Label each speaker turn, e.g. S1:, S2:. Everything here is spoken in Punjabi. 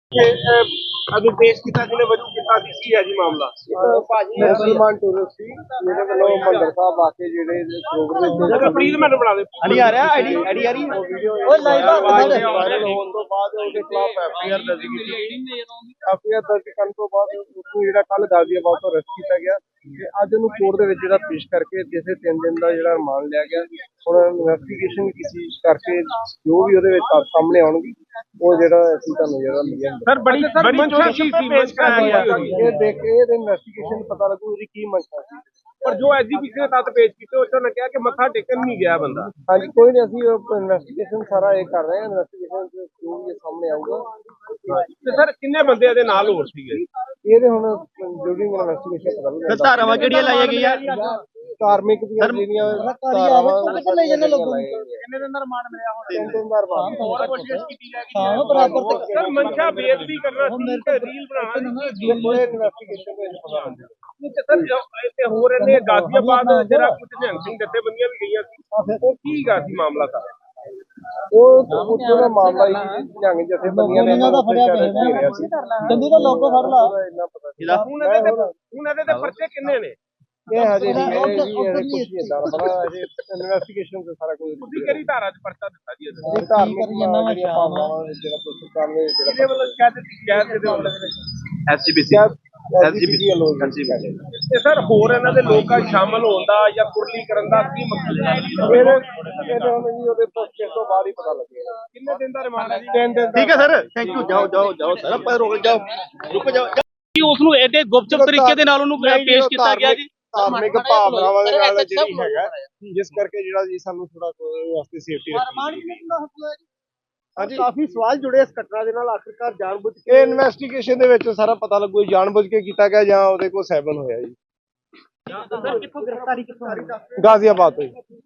S1: अभी पेश किया जिन्हें वजू किता सी है जी मामला
S2: मुसलमान टूरिस्ट ਸੀ ਜਿਹਦੇ ਵੱਲੋਂ ਮੰਦਰ ਸਾਹਿਬ ਆ ਕੇ ਜਿਹੜੇ ਸਰੋਵਰ ਦੇ
S1: प्लीज मैंने बना दे
S2: ਅੜੀ ਆ ਰਿਹਾ ਆਈਡੀ ਆ ਰਹੀ ਓਏ ਲਾਈਵ ਵਾਇਰਲ ਹੋਣ ਤੋਂ ਬਾਅਦ ਉਹਦੇ ਖਿਲਾਫ ਐਫਆਈਆਰ ਦਰਜ ਕੀਤੀ ਐਫਆਈਆਰ ਦਰਜ ਕਰਨ ਤੋਂ ਬਾਅਦ ਉਸਨੂੰ ਜਿਹੜਾ ਕੱਲ ਗਾਜ਼ੀਆਬਾਦ ਤੋਂ ਅਰੈਸਟ ਕੀਤਾ ਗਿਆ ਤੇ ਅੱਜ ਉਹਨੂੰ ਕੋਰਟ ਦੇ ਵਿੱਚ ਜਿਹੜਾ ਪੇਸ਼ ਕਰਕੇ ਜਿਸੇ 3 ਦਿਨ ਦਾ ਜਿਹੜਾ ਰਿਮਾਂਡ ਲਿਆ ਗਿਆ ਹੁਣ ਇਨਵੈਸਟੀਗੇਸ਼ਨ ਕੀਤੀ ਕਰਕੇ ਜੋ ਵੀ ਉਹਦੇ ਵਿੱਚ ਤੱਥ ਸਾਹਮਣੇ ਆਉਣਗੇ ਉਹ ਜਿਹੜਾ ਅਸੀਂ ਤੁਹਾਨੂੰ ਜਿਹੜਾ ਮਿਲਿਆ
S1: सर बड़ी मंशा सी पेश कराया गया
S2: ਇਹ ਦੇਖ ਕੇ ਇਹਦੇ ਇਨਵੈਸਟੀਗੇਸ਼ਨ ਪਤਾ ਲੱਗੂ ਇਹਦੀ ਕੀ ਮੰਸ਼ਾ ਸੀ
S1: पर जो एग्जीबिशन तक पेश किए उसने कहा कि मथा टेकन नहीं गया बंदा
S2: ਹਾਂਜੀ ਕੋਈ ਨਹੀਂ ਅਸੀਂ ਇਨਵੈਸਟੀਗੇਸ਼ਨ ਸਾਰਾ ਇਹ ਕਰ ਰਹੇ ਹਾਂ ਇਨਵੈਸਟੀਗੇਸ਼ਨ ਜੋ ਵੀ ਸਾਹਮਣੇ ਆਊਗਾ
S1: ਤੇ ਸਰ ਕਿੰਨੇ ਬੰਦੇ ਇਹਦੇ ਨਾਲ ਹੋਰ ਸੀਗੇ
S2: ਇਹਦੇ ਹੁਣ ਡਿਊਰਿੰਗ ਇਨਵੈਸਟੀਗੇਸ਼ਨ ਪਤਾ ਲੱਗੂਗਾ
S3: ਧਾਰਾਵਾਂ ਕਿਹੜੀਆਂ ਲਾਈਆਂ ਗਈਆਂ
S2: ਧਾਰਮਿਕ ਦੀਆਂ ਜਿਹੜੀਆਂ ਧਾਰਾਵਾਂ
S3: ਕਿੰਨੇ ਦਿਨ ਦਾ ਰਿਮਾਂਡ ਮਿਲਿਆ ਹੁਣ
S2: 3 ਦਿਨ ਦਾ ਰਿਮਾਂਡ
S3: ਹੋਰ ਕੋਸ਼ਿਸ਼ ਕੀਤੀ ਜਾ ਰਹੀ ਹੈ ਬਰਾਬਰ
S1: ਸਰ ਮੰਸ਼ਾ ਬੇਇੱਜ਼ਤੀ ਕਰਨਾ ਸੀ ਤੇ ਰੀਲ ਬਣਾਉਣਾ ਸੀ
S2: ਪੂਰੇ ਇਨਵੈਸਟੀਗੇਸ਼ਨ ਦੇ ਵਿੱਚ ਪਤਾ ਲੱਗੂਗਾ
S1: ਤੇ ਸਰ ਜੋ ਇੱਥੇ ਹੋ ਰਹੇ ਨੇ ਗਾਜ਼ੀਆਬਾਦ ਜਿਹੜਾ ਕੁਝ ਨਿਹੰਗ ਸਿੰਘ ਜਥੇਬੰਦੀਆਂ ਵੀ ਗਈਆਂ ਸੀ ਉਹ ਕੀ ਗਾ ਸੀ ਮਾਮਲਾ ਸਰ
S2: ਉਹ ਉੱਥੋਂ ਦਾ ਮਾਮਲਾ ਹੀ ਜੰਗ ਜਥੇਬੰਦੀਆਂ ਨੇ ਇਹਨਾਂ ਦਾ ਫੜਿਆ ਗਿਆ ਸੀ
S3: ਚੰਦੀ ਦਾ ਲੋਗੋ ਫੜ ਲਾ
S2: ਇੰਨਾ ਪਤਾ
S1: ਹੁਣ ਇਹਦੇ ਤੇ ਪਰਚੇ ਕਿੰਨੇ ਨੇ
S2: ਇਹ ਹਜੇ ਨਹੀਂ ਇਹ ਕੁਝ ਨਹੀਂ ਇਦਾਂ ਬੜਾ ਹਜੇ ਇਨਵੈਸਟੀਗੇਸ਼ਨ ਤੇ ਸਾਰਾ ਕੁਝ
S1: ਤੁਸੀਂ ਕਿਹੜੀ ਧਾਰਾ 'ਚ ਪਰਚਾ ਦਿੱਤਾ ਜੀ ਇਹਦੇ
S2: ਇਹ ਧਾਰਮਿਕ ਜਿਹੜੀਆਂ ਭਾਵਨਾਵਾਂ ਜਿਹੜਾ ਸਰਕਾਰ ਨੇ ਜਿਹੜਾ
S1: ਇਹਦੇ ਵੱਲੋਂ ਸ਼ਿਕਾਇਤ ਦੇ ਵੱਲੋਂ
S3: ਐਸਜੀਪੀਸੀ
S1: ਤੇ ਸਰ ਹੋਰ ਇਹਨਾਂ ਦੇ ਲੋਕਾਂ ਸ਼ਾਮਲ ਹੋਣ ਦਾ ਜਾਂ ਕੁਰਲੀ ਕਰਨ ਦਾ ਕੀ ਮਕਸਦ ਹੈ
S2: ਇਹਦੇ ਹੁਣ ਜੀ ਉਹਦੇ ਪੋਸਟ ਤੋਂ ਬਾਅਦ ਹੀ ਪਤਾ ਲੱਗੇਗਾ
S1: ਕਿੰਨੇ ਦਿਨ ਦਾ ਰਿਮਾਂਡ ਹੈ ਜੀ
S2: 3 ਦਿਨ
S3: ਠੀਕ ਹੈ ਸਰ ਥੈਂਕ ਯੂ ਜਾਓ ਸਰ ਪਰ ਰੁਕ ਜਾਓ
S4: ਉਸ ਨੂੰ ਐਡੇ ਗੁਪਚੁਪ ਤਰੀਕੇ ਦੇ ਨਾਲ ਉਹਨੂੰ ਪੇਸ਼ ਕੀਤਾ ਗਿਆ ਜੀ
S2: ਧਾਰਮਿਕ ਭਾਵਨਾਵਾਂ ਦੇ ਨਾਲ ਜਿਹੜੀ ਹੈਗਾ ਜਿਸ ਕਰਕੇ ਜਿਹੜਾ ਜੀ ਸਾਨੂੰ ਥੋੜਾ ਵਾਸਤੇ ਸੇਫਟੀ ਹਾਂਜੀ ਕਾਫੀ ਸਵਾਲ ਜੁੜੇ ਇਸ ਘਟਨਾ ਦੇ ਨਾਲ ਆਖਿਰਕਾਰ ਜਾਣਬੁੱਝ ਕੇ ਇਨਵੈਸਟੀਗੇਸ਼ਨ ਦੇ ਵਿੱਚ ਸਾਰਾ ਪਤਾ ਲੱਗੂ ਜਾਣਬੁੱਝ ਕੇ ਕੀਤਾ ਗਿਆ ਜਾਂ ਉਹਦੇ ਕੋਲ ਸੈਵਨ ਹੋਇਆ ਜੀ
S4: ਕਿੱਥੋਂ ਗ੍ਰਿਫਤਾਰੀ ਕਿੱਥੋਂ
S2: ਗਾਜ਼ੀਆਬਾਦ ਤੋਂ